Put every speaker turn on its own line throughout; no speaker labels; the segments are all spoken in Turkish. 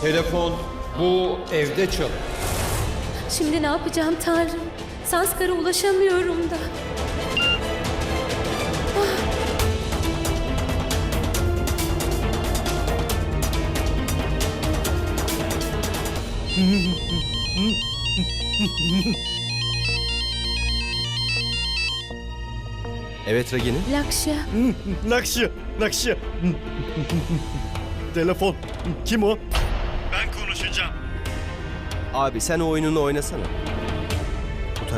Telefon bu evde çalıyor.
Şimdi ne yapacağım Tanrım? Sanskar'a ulaşamıyorum da.
Evet Ragini.
Lakşya.
Lakşya. Telefon. Kim o? Ben konuşacağım.
Abi sen o oyununu oynasana. Utara.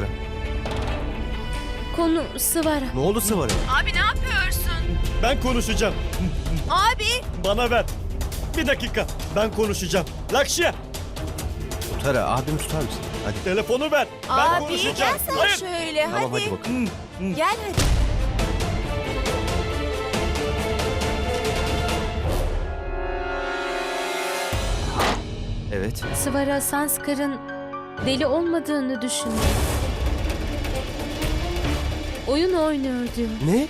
Konu Sıvara.
Ne oldu Sıvara?
Abi ne yapıyorsun?
Ben konuşacağım.
Abi!
Bana ver. Bir dakika. Ben konuşacağım. Lakşya.
Utara abimi tutar mısın? Hadi.
Telefonu ver. Ben
Abi
konuşacağım.
gel sen
Hayır.
şöyle
Tamam
hadi.
hadi bakalım.
Gel hadi.
Evet.
Sıvara Sanskar'ın deli olmadığını düşünüyor. Oyun oynuyor diyor.
Ne?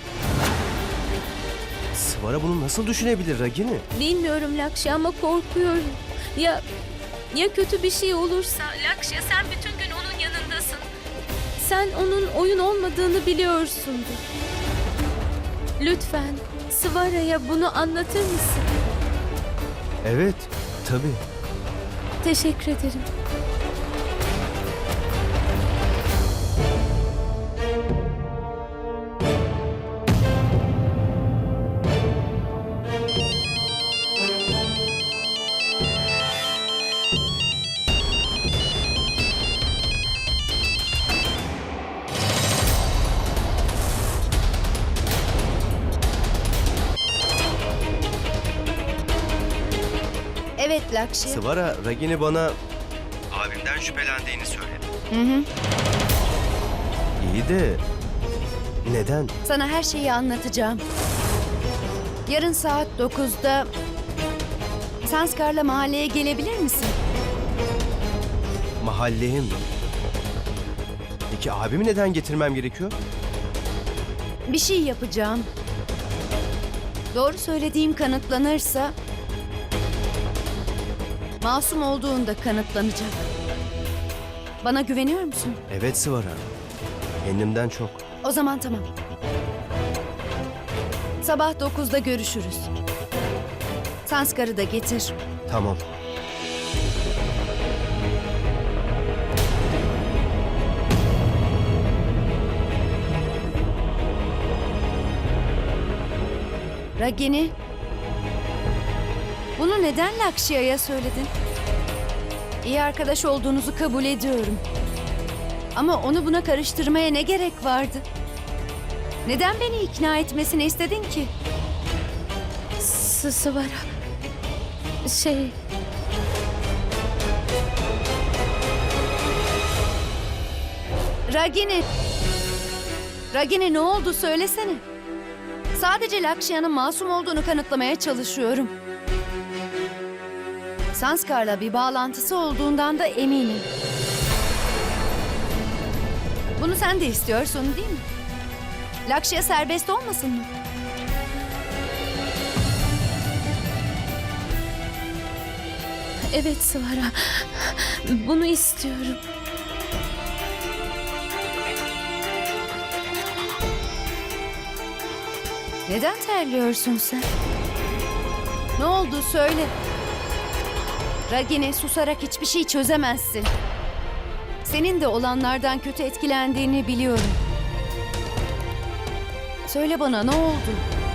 Sıvara bunu nasıl düşünebilir Ragini?
Bilmiyorum Lakşya ama korkuyorum. Ya kötü bir şey olursa? Lakşya sen bütün gün onun yanındasın. Sen onun oyun olmadığını biliyorsundur. Lütfen Sıvara'ya bunu anlatır mısın?
Evet. Tabii.
Teşekkür ederim.
Evet Lakşya.
Sıvara Ragini bana abimden şüphelendiğini söyledi.
Hı.
İyi de neden?
Sana her şeyi anlatacağım. Yarın saat 9'da Sanskar'la mahalleye gelebilir misin?
Mahalleye mi? Peki abimi neden getirmem gerekiyor?
Bir şey yapacağım. Doğru söylediğim kanıtlanırsa masum olduğunda kanıtlanacak. Bana güveniyor musun?
Evet Sıvara. Kendimden çok.
O zaman tamam. Sabah 9'da görüşürüz. Sanskar'ı da getir.
Tamam.
Ragini, bunu neden Lakşya'ya söyledin? İyi arkadaş olduğunuzu kabul ediyorum. Ama onu buna karıştırmaya ne gerek vardı? Neden beni ikna etmesini istedin ki?
Sıvara.
Ragini! Ragini ne oldu söylesene. Sadece Lakşya'nın masum olduğunu kanıtlamaya çalışıyorum. Sanskar'la bir bağlantısı olduğundan da eminim. Bunu sen de istiyorsun değil mi? Lakşya serbest olmasın mı?
Evet Sıvara. Bunu istiyorum.
Neden terliyorsun sen? Ne oldu söyle. Ragini, susarak hiçbir şey çözemezsin. Senin de olanlardan kötü etkilendiğini biliyorum. Söyle bana ne oldu?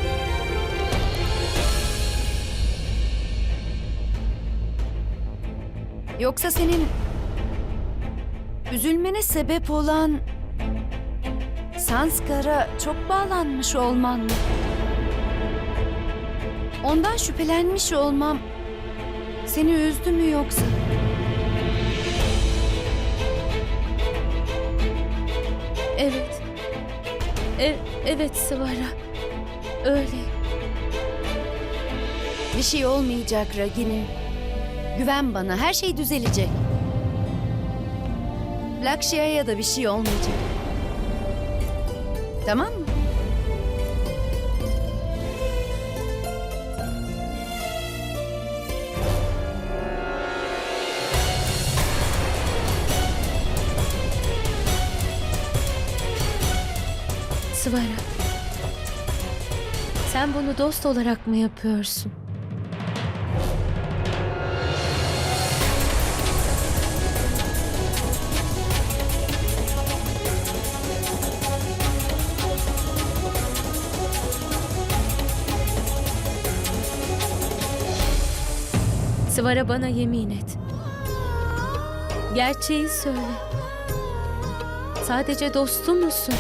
Yoksa senin üzülmene sebep olan Sanskar'a çok bağlanmış olman mı? Ondan şüphelenmiş olmam seni üzdü mü yoksa?
Evet. Evet Sıvara. Öyle.
Bir şey olmayacak Ragini. Güven bana, her şey düzelecek. Lakşya'ya da bir şey olmayacak. Tamam mı?
Sıvara. Sen bunu dost olarak mı yapıyorsun? Sıvara, bana yemin et. Gerçeği söyle. Sadece dostum musun?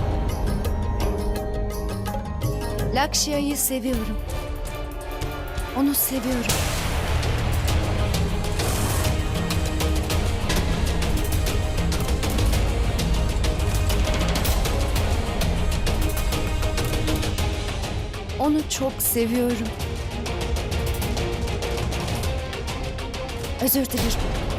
Lakshya'yı seviyorum. Onu seviyorum. Onu çok seviyorum. Özür dilerim.